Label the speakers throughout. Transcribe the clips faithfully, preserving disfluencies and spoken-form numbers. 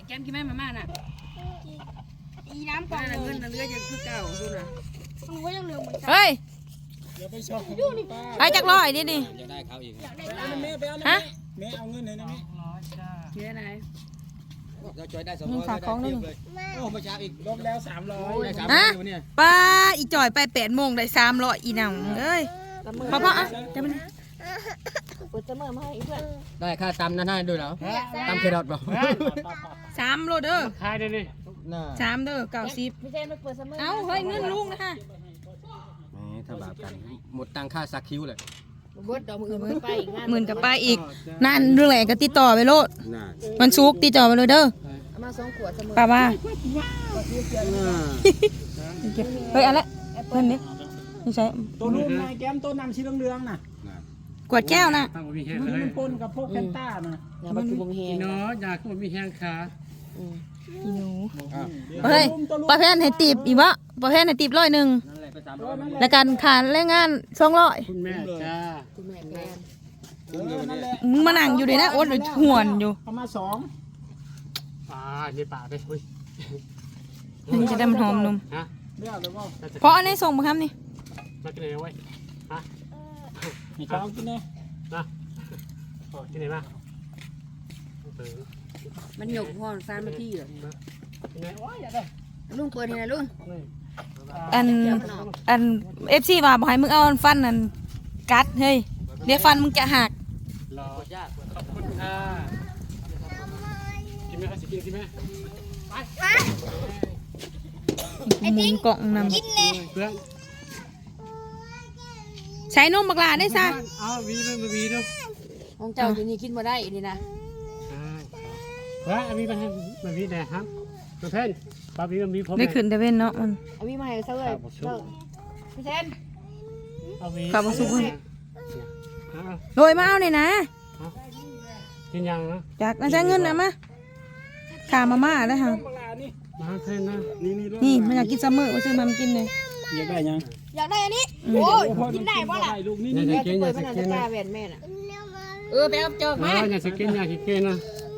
Speaker 1: แกมกินแม่มาม่าน่ะอีน้ำก่อนเงินน่ะเรือยังคือเก่าดูน่ะมันก็ยังเหลือเหมือนกันเฮ้ยไปจักร้อยดิดิ
Speaker 2: อยากได้เขาอีก
Speaker 1: ฮะ
Speaker 3: แม่เอาเงินไหนนะแม่
Speaker 1: เชื่อไหน
Speaker 2: เราจอยได้สองร้อยฝากของเลยโอ้มาช้าอีก
Speaker 3: รวมแล้วสามร้อย
Speaker 2: ได้สามร้อยวันนี้
Speaker 1: ป้าอีจ่อยไปแปดโมงได้สามร้อยอีหนังเอ้ยพ่อพ่ออ่ะจะมันเปิดเสมอมาให้เพื่อน
Speaker 2: ได้ค่าตำนั่นให้ด้วยเหรอตำเครอทบอก
Speaker 1: สามโลเด้อ
Speaker 3: ขายได้เลย
Speaker 1: สามเด้อเก้าสิบพี่เจนไปเปิดเสมอเอ้าเฮ้ยเงินลุงนะคะ
Speaker 2: นี่ถ้าแบบกันหมดตังค่าซักคิ้วเลย
Speaker 1: เบิดดอกมือมือไปอีกหมื่นกับไปอีกนั่นเรื่องอะไรก็ติดต่อไปโลดมันซุกติดต่อไปเลยเด้อมาสองขวดเสมอป้าว่าเฮ้ยอะไรเพื่อนนี่ไม่ใช่
Speaker 3: ตัวนุ่มนายแก้มตัวน้ำชีเหลืองๆน่ะ
Speaker 1: กวดแก้วนะ
Speaker 3: มันปนกับพวกแคนต้านะ
Speaker 1: อย่ามาคุมแหง
Speaker 3: เนาะอยากคุมมีแหงขา
Speaker 1: อีหนูเฮ้ยประเภทให้ตีบอีวะประเภทให้ตีบร้อยหนึ่งแล้วกันขาดแรงงานสองร้อย
Speaker 3: คุณแม่จ้า
Speaker 1: คุณแม่แม่มึงมานั่งอยู่เลยนะโอ๊ตหรือหวนอยู่
Speaker 3: ประมาณสองป่าในป่าไปคุย
Speaker 1: มันจะได้มันหอมนุ่มเพราะอันนี้ส่งมาครับนี่
Speaker 3: มากินไหนไว้ฮะมีข้าวกินไหนนะโอ้กินไหนมา
Speaker 1: มันหยกห่อนซานมาที่เหรอ
Speaker 3: กินไหนโอ้ยอย่าได้
Speaker 1: ลุงเปิดให้นะลุงอันอันเอฟซีว่าบอกให้มึงเอาฟันนั่นกัดเฮ้ยเดี๋ยวฟันมึงจะหัก
Speaker 3: รอขอบคุณค่ะกินไหมคะสิกินกินไหม
Speaker 1: ไปหมุนกล่องนำใช้นมบักลาได้ซะ
Speaker 3: อ้าววีด้วยมาวีด้วย
Speaker 1: ของเจ้าอยู่นี่กินมาได้นี่นะ
Speaker 3: เฮ้ยอาวีมาให้มาวีแดงครับมาเพ่นปาวีมาวีผม
Speaker 1: ได้ขึ้นแต่เว้นเนาะมัน
Speaker 4: อาวีมาให้เซอร์พี่เซน
Speaker 3: อาวี
Speaker 1: ขับมาสุกเลยโดยมาเอาหน่อยนะ
Speaker 3: กินยังนะ
Speaker 1: จากน่าจะเงินนะมาขามาม่าได้ค่ะ
Speaker 3: มาเพ่นนะ
Speaker 1: นี่นี่มันอยากกินซัมเมอร์มาซื้อมากินเลย
Speaker 3: อยากได้ยัง
Speaker 4: อยากได้อันนี้โอ้ยกินได้ป่ะล่ะ
Speaker 3: ลูกนี่นี่
Speaker 4: กินได้ป่ะล่ะจะกล้าแหวนแม่น่ะ
Speaker 1: เออไปเอาเจอมา
Speaker 3: อยากกินอยากกินนะ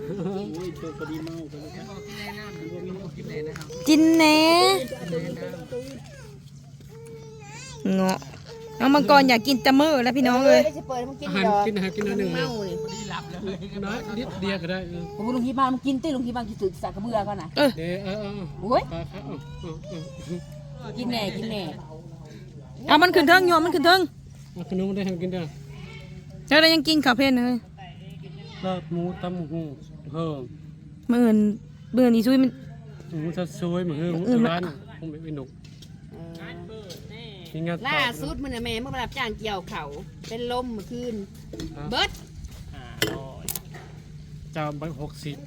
Speaker 1: จินเน่เงาะน้องมังกรอยากกินซัมเมอร์แล้วพี่น้องเลย
Speaker 3: อาหารกินอาหารกินนิดหนึ่งเมาเลยน้อยนิดเดียวก็ได้
Speaker 4: ผมลุงที่บ้านมันกินตีลุงที่บ้านกินสึกสักกระเบือก่อนนะ
Speaker 3: เออเออ
Speaker 4: โอ้ยกินแน่กินแน่
Speaker 1: เอามันขึ้นเทิงโยมมันขึ้นเทิง
Speaker 3: ขนมได้ทำกินได้
Speaker 1: แล้วเรายังกินข้าวเพลนเลย
Speaker 3: ลาบหมูตำหูเพิ่ม
Speaker 1: เมื่ออื่นเบื่อนี่ซุยมัน
Speaker 3: หมูจะซวยเหมือนหมูร้านคงไม่หนุก
Speaker 4: ล่าสุดมันแม่เมื่อรับจ้างเกี่ยวเขาเป็นลมเมื่อคืนเบิร์ด
Speaker 3: จะใบหกสิบ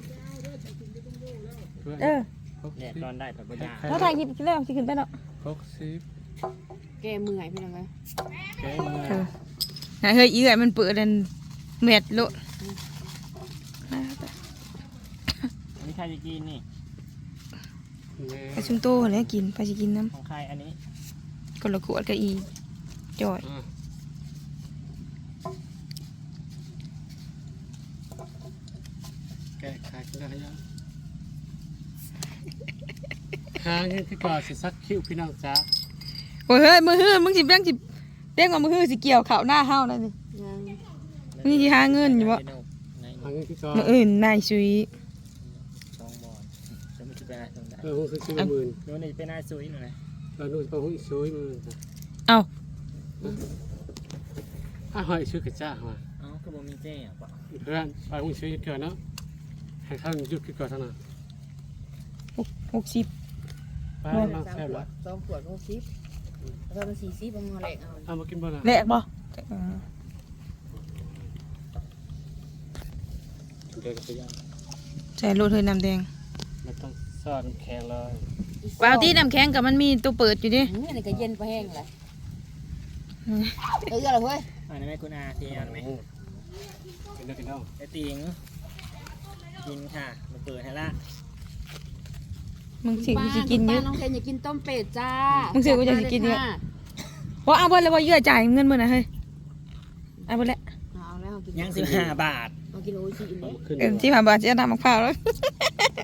Speaker 1: เออ
Speaker 2: เนี่ยตอนได้ผักกาด
Speaker 1: แล้วถ่ายคลิปแล้วสิขึ้นไปเนาะ
Speaker 3: หกสิบ
Speaker 4: แกมือหายไปยังไง
Speaker 3: แกมือ
Speaker 1: เฮ้ยอีไงมันเปิดดันเม็ดโล
Speaker 2: นี่ใครจะกินนี่
Speaker 1: ไปชุมโตแล้วกินไปจะกินน้
Speaker 2: ำของใครอันนี้
Speaker 1: คนละขวดก็อีจอย
Speaker 3: แกะขายก็ได้ยังหาเงินที่ก่อนสิซักคิ้วพี่น้องจ้า
Speaker 1: โอ้ยเฮ้ยมือฮื้อมึงสิแบงสิเด้งว่ามือฮื้อสิเกี่ยวข่าวหน้าเฮานั่นสิมึงสิหาเงินอยู่บ่
Speaker 3: หาเงินที่ก่อน
Speaker 1: มืออื่นนายซุย
Speaker 2: สองบอลจะไม่คิดไปไหนตรงไหน
Speaker 3: เออคือซื้อหมื่น
Speaker 2: โน่นนี่เป็นนายซุยหน่อย
Speaker 3: เราโน่นก็หุ้นซุยมือ
Speaker 1: เอา
Speaker 3: อ่ะหอยซื้อกระจ้ามา
Speaker 2: อ๋อก็บ่มีเจ๊อ่ะ
Speaker 3: เพื่อนไปหุ้นซุยเกิดเนาะให้ท่านยุดก่อนเท่านั้น
Speaker 1: หกสิบ
Speaker 3: ไปมาแซ่บละ
Speaker 4: สองขวดหกสิบแล้วก็สี่สิบบางแหลกเอา
Speaker 3: เอามากินบ่ล่ะ
Speaker 1: แหลกบ่ใส่รถเฮยน้ำแดง
Speaker 3: ไม่ต้องซอสน้ำแข็งเลย
Speaker 1: ว้าวที่น้ำแข็งกับมันมีตัวเปิดอยู่ดิ
Speaker 4: นี่นี่ก็เย็นไปแห้งเลยเอออะไรเว้ย
Speaker 2: อันนี้ไม่คุณอาทีอันไหม
Speaker 3: กินได้กินได้
Speaker 2: ไอติงกินค่ะมาเปิดให้ละ
Speaker 1: มึงสิกูจะกินเยอะ
Speaker 4: น้องเคนอยากกินต้มเป็ดจ้า
Speaker 1: มึงสิกูจะกินเยอะเพราะเอาเบิ้ลเลยว่าเยอะจ่ายเงินมึงนะเฮ้ยเอาเบิ้ลแล้ว
Speaker 2: ยังสิบห้าบาท
Speaker 4: มากินโอชิ
Speaker 1: เอ็มที่ผ่านบาทจะทำมะพร้าวแล้ว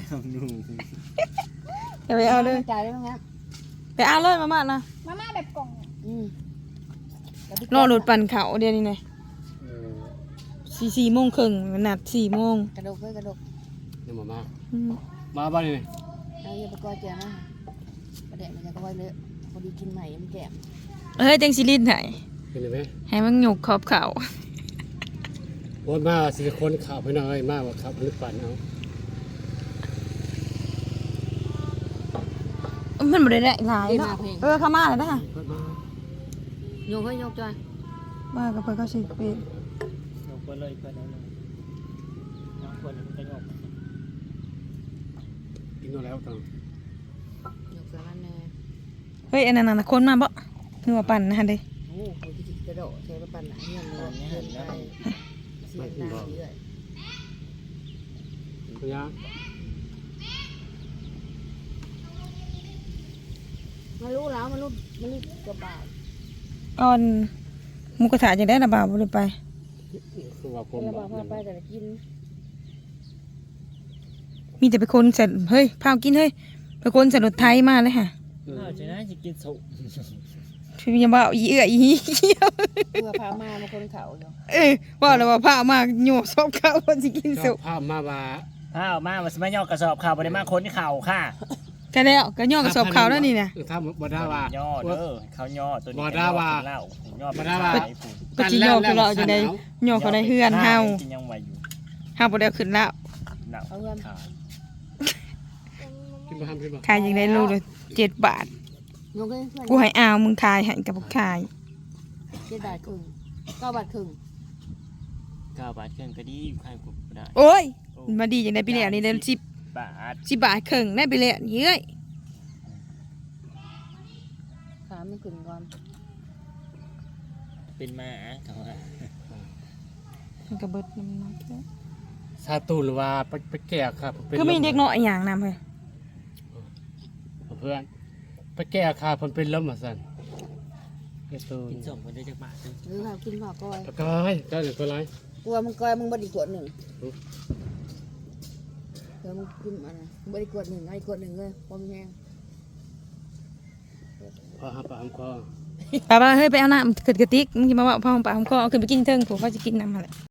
Speaker 1: อย่าไปเอาเลย
Speaker 4: จ่ายได้ไหมครับ
Speaker 1: ไปเอาเลยมาม่านะ
Speaker 5: มาม่าแบบกล่อง
Speaker 4: อืม
Speaker 1: รอรถปั่นเขาเดี๋ยวนี้ไงสี่สี่โมงครึ่งนัดสี่โมง
Speaker 4: กระดกเพื่อกระดก
Speaker 3: เดี๋ยวมามา
Speaker 1: อืม
Speaker 3: มาบ้านนี่
Speaker 4: เอาอย่าไปกอเจียนะประเดี๋ยวมันจะก็ไว้เลยพอดีกินใหม่มันแก่
Speaker 1: เฮ้ยจังซิลินไหน
Speaker 3: เป็นไหม
Speaker 1: ให้มันหยกขอบเขา
Speaker 3: โอนมาสิคนข่าวไปหน่อยมากว่าขับหรือปั่นเอา
Speaker 1: มันบ่ได้ได้หลายเนาะเออเข้ามาแล้วนะ
Speaker 4: โยกให้โยกจ้อย
Speaker 1: มากับเพิ่นก็สิเป็น
Speaker 2: ยกไปเลยไปเลยน้องคนมันจะยก
Speaker 3: กินแล้วต่าง
Speaker 4: โยกสารแน่
Speaker 1: เฮ้ยอันนั้นน่ะคนมาบ่นัวปั่นนะฮะเด้
Speaker 4: โอ้โหที่กระโดดใช้ประปันหนังเงินเลยเงินไปเสียหน้าเยอะ
Speaker 3: พยา
Speaker 4: มารู้แล้วมารู้มารู้กระบาด
Speaker 1: ก่อนหมูกระทะจังได้น่ะบ่าวบ่ได้ไป
Speaker 3: คือว่าผม
Speaker 4: กระบาดพาไปแต่ละกิน
Speaker 1: มีแต่ไปคนใส่เฮ้ยพากินเฮ้ยไปคนใส่รถไถมาเลยค่ะ
Speaker 2: อ้าวจะน่าจะกินสุก
Speaker 1: พี่ยังบ่าวอีเอื้ออีเหี้ย
Speaker 4: เพื่อพามามาคนเขาอยู่
Speaker 1: เอ้ยว่าแล้วว่าพามาโยซอบเขาว่าสิกินสุ
Speaker 3: ภาพมาว่า
Speaker 2: ข้าวมามันสมัยย่อกระสอบข้าวไปได้มาคนเข่าค่ะ
Speaker 1: ก็แล้วก็ย่อกระสอบเขาแล้วนี่น่ะ
Speaker 3: ถ้าบ่ได้ว่า
Speaker 2: ย่อเด้อเขาย่อตัวนี้
Speaker 3: บ่ได้ว่า
Speaker 2: เหล้าย่อ
Speaker 3: บ่ได้ว่า
Speaker 1: ก็สิย่อคือเราจังได๋ย่อเขาได้เฮือนเฮา
Speaker 2: กินยังไหวอยู่
Speaker 1: เฮาบ่ได้เอาขึ้นแล้ว
Speaker 2: เหล้า
Speaker 4: เอาเงิน
Speaker 2: ขาย
Speaker 3: กินบ่ทำกินบ่
Speaker 1: ขายจังได๋โลละเจ็ดบาท
Speaker 4: โยกให้เพื่อน
Speaker 1: กูให้อาวมึงขายให้กับบ่ขาย
Speaker 4: เจ็ดบาทครึ่งเก้าบาทครึ่ง
Speaker 2: เก้าบาทเครื่องก็ดีขายกูได้
Speaker 1: โอ้ยมาดีจังได๋ปีแล้วนี่ได้สิบบ
Speaker 2: าท
Speaker 1: สิบบาทครึ่งได้ไปแล้วนี่เอ้ย
Speaker 4: ขาไม่ขึ้นก่อน
Speaker 2: เป็นมาเขาว่า
Speaker 1: มันก็เบิดน้ำหนักแล้ว
Speaker 3: ซาตูหรือว่าไปไปแก่ครับเป็น
Speaker 1: คือมีเด็กน้อยอีหยังนำเฮ้ย
Speaker 3: เพื่อนไปแก่ค่ะเพิ่นเป็นลมอ่ะซั่นไอ้ตู
Speaker 2: กินส่งคนได้จากบาทนึง
Speaker 4: หรือเขากินผักก้อย
Speaker 3: ตะกายก็เดี๋ยวก็ไร
Speaker 4: กลัวมึงก้อยมึงบไดีกวดหนึ่งเดี๋ยวมึงกินอะไรมึงบไดีกวดหนึ่งไอ้กวดหนึ่งเลยพอมแห้ง
Speaker 3: พอหาปากหาคอ
Speaker 1: ป้าๆเฮ้ยไปเอาน้ำขึ้นกระติกมึงสิมาว่าพ่อปากของคอเอาขึ้นไปกินเทิงผมเขาสิกินน้ำหั่นแหละ